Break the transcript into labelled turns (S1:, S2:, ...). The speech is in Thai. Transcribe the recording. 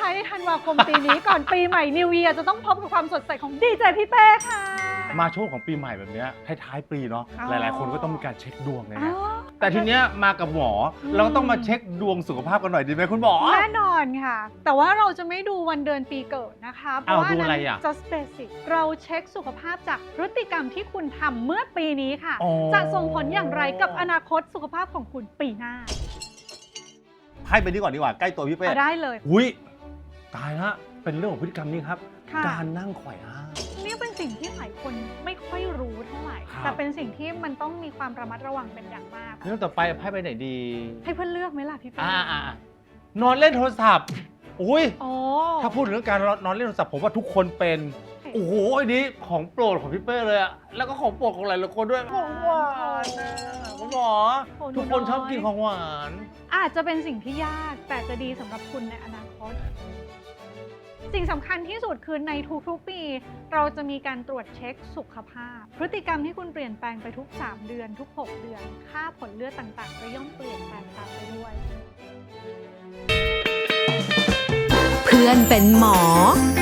S1: ายในธันวาคมปีนี้ ก่อนปีใหม่นิวเยียร์จะต้องพบกับความสดใสของดีเจพี่เป้ค่ะ
S2: มาช่วงของปีใหม่แบบเนี้ยท้ายๆปีเนาะ
S1: อ๋อ
S2: หลายๆคนก็ต้องมีการเช็คดวงเลย
S1: อ๋
S2: นะ
S1: อ
S2: แต่ทีเนี้ยมากับหมอเราก็ต้องมาเช็คดวงสุขภาพกันหน่อยดีไหมคุณหมอ
S1: แน่นอนค่ะ แต่ว่าเราจะไม่ดูวันเดือนปีเกิดนะคะ เพราะว่า
S2: ดู
S1: นั้
S2: อะไร
S1: น
S2: อ่ะ
S1: just basic เราเช็คสุขภาพจากพฤติกรรมที่คุณทำเมื่อปีนี้ค่ะ
S2: อ๋อ
S1: จะส่งผลอย่างไรกับอนาคตสุขภาพของคุณปีหน้า
S2: ให้ไปนี่ก่อนดีกว่าใกล้ตัวพี่เป้
S1: เอาได้เลย
S2: อุ้ยตายละเป็นเรื่องของพฤติกรรมนี่ครับ
S1: ค่ะ
S2: การนั่งไขว่ห้าง
S1: นี่เป็นสิ่งที่หลายคนไม่ค่อยรู้เท่าไหร่
S2: ครับ
S1: แต่เป็นสิ่งที่มันต้องมีความระมัดระวังเป็นอย่างมาก
S2: เรื่องต่อไปให้ไปไหนดี
S1: ให้เพื่อนเลือกไหมล่ะพี่เป้
S2: นอนเล่นโทรศัพท์อุ้ย
S1: โอ้
S2: ถ้าพูดถึงเรื่องการนอนเล่นโทรศัพท์ผมว่าทุกคนเป็น โอ้โหอันนี้ของโปรดของพี่เป้เลยอะแล้วก็ของโปรดของหลายๆคนด้วยของหวานนะคุณหมอทุกคนชอบกินของหวาน
S1: อาจจะเป็นสิ่งที่ยากแต่จะดีสำหรับคุณในอนาคต สิ่งสำคัญที่สุดคือในทุกๆปี เราจะมีการตรวจเช็คสุขภาพ พฤติกรรมที่คุณเปลี่ยนแปลงไปทุก 3 เดือนทุก 6 เดือน ค่าผลเลือดต่างๆก็ย่อมเปลี่ยนแปลงตามไปด้วย
S3: เพื่อนเป็นหมอ